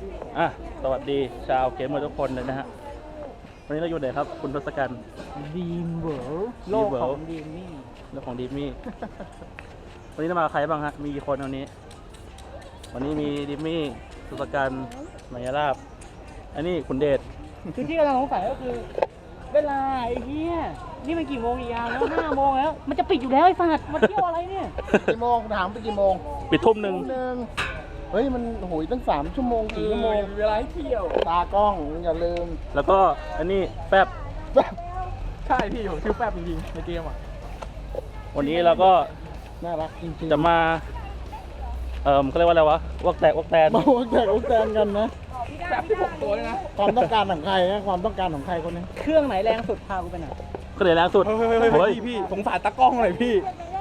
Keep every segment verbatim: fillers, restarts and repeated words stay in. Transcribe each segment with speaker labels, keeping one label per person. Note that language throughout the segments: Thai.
Speaker 1: อ่ะสวัสดีชาวเกมเมอร์ทุกคนเลยนะฮะวันนี้เราอยู่ไหนครับคุณทศกัณฐ์
Speaker 2: ดีมเวิร์โลกของดีมมี่
Speaker 1: เรื่องของดิมมี่ วันนี้เรามากับใครบ้างฮะมีกี่คนวันนี้ วันนี้มีดิมมี่ทศกัณฐ์มายาลาบอันนี้คุณเดช
Speaker 2: คือที่กำลังสงสัยก็คือ เวลาไอ้เหี้ยนี่มันกี่โมงอีกอย่างแล้วห้าโมงแล้วมันจะปิดอยู่แล้วไอ้สัตว์มาเที่ยวอะไรเนี่ย
Speaker 3: กี่โมงถามไปกี่โมง
Speaker 1: ปิดทุ่มหนึ่ง
Speaker 3: หนึ่งเฮ้ยมันโหยตั้งสามชั่วโมงสี่ชั่วโมง
Speaker 2: เวลาให้เที่ยว
Speaker 3: ตากล้องอย่าลืม
Speaker 1: แล้วก็อันนี้แฟบ
Speaker 3: แบบ
Speaker 2: ใช่พี่ผมชื่อแป๊บจริงๆในเกมอ่ะ
Speaker 1: วันนี้เราก็
Speaker 3: น่ารักจริงๆ
Speaker 1: จะมาเอ่อเขาเรียกว่าอะไรวะวอกแตกวอกแตน
Speaker 3: มาวักแตกวักแตนกันนะ
Speaker 2: แป๊บที่หกตัวเลยนะ
Speaker 3: ความต้องการของใครนะความต้องการของใครคนนี้
Speaker 2: เครื่องไหนแรงสุดพากูไปหน่อย
Speaker 1: ก็เลยแรงสุดเฮ้ย
Speaker 2: พี่สงสารตากล้องหน่อยพี่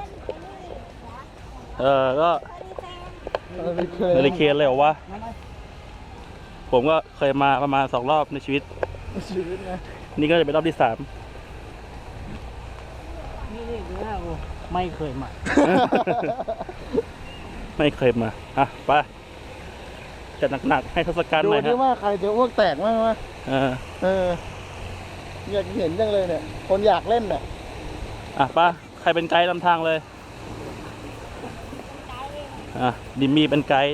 Speaker 1: เออก็
Speaker 3: เออเคย
Speaker 1: เฮลิเคนเลยเหรอวะผมก็เคยมาประมาณสองรอบในชีวิต
Speaker 3: ชีวิตนะ
Speaker 1: นี่ก็จะเป็นรอบที่สาม
Speaker 2: นี่นี่ดูหน้ากูไม่เคยมา
Speaker 1: ไม่เคยมา อ่ะ ไปจัดหนักๆให้ทศกัณฐ์
Speaker 3: ดู
Speaker 1: หน่อย
Speaker 3: ดิ
Speaker 1: ฮะ
Speaker 3: ว่าใครจะอ้วกแตกมั้งวะ
Speaker 1: เออ
Speaker 3: เอออยากเห็นจังเลยเนี่ยคนอยากเล่นเนี่ย
Speaker 1: อ่ะไป้าใครเป็นไกด์นำทางเลย อ่ะ ดิมมี่เป็นไกด์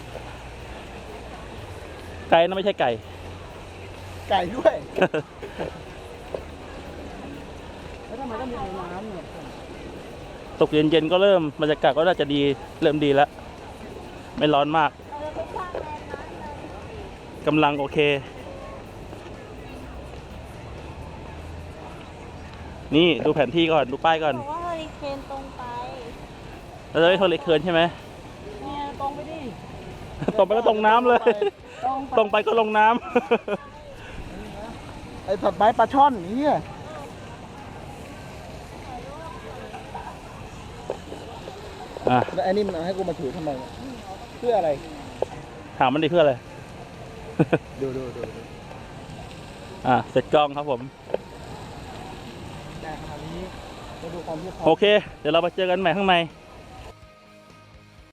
Speaker 1: ไกด์นั่นไม่ใช่ไก่
Speaker 3: ไก่ด้วย
Speaker 2: แล้วทำไมต้องมีไอ้น้ำเนี่ย
Speaker 1: ตกเย็นๆก็เริ่มบรรยากาศก็น่าจะดี เริ่มดีแล้ว ไม่ร้อนมากกำลังโอเค นี่ดูแผนที่ก่อน ดูป้ายก่อน
Speaker 4: บอกว่าเฮอริเคนตรงไป
Speaker 1: เราจะไม่ทนเลยเคินใช่ไหม
Speaker 2: เนี่ยตรงไปดิ
Speaker 1: ตรงไปก็ตรงน้ำเลย
Speaker 2: ตรงไป
Speaker 1: ตรงไปก็ลงน้ำ
Speaker 3: ไอ้ผัดไม้ปลาช่อนนี่
Speaker 1: อ่ะ
Speaker 3: แล้วไอ้นี่มันเอาให้กูมาถือทำไมเนี่ยเพื่ออะไร
Speaker 1: ถามมันดิเพื่ออะไร
Speaker 3: ดูดูดูดู
Speaker 1: อ่ะ เสร็จกล้องครับผม
Speaker 3: แต่ขณะนี้มาดูความเพียบพร้อ
Speaker 1: โอ
Speaker 3: ม
Speaker 1: เค เดี๋ยวเราไปเจอกันใหม่ข้างใน
Speaker 3: ค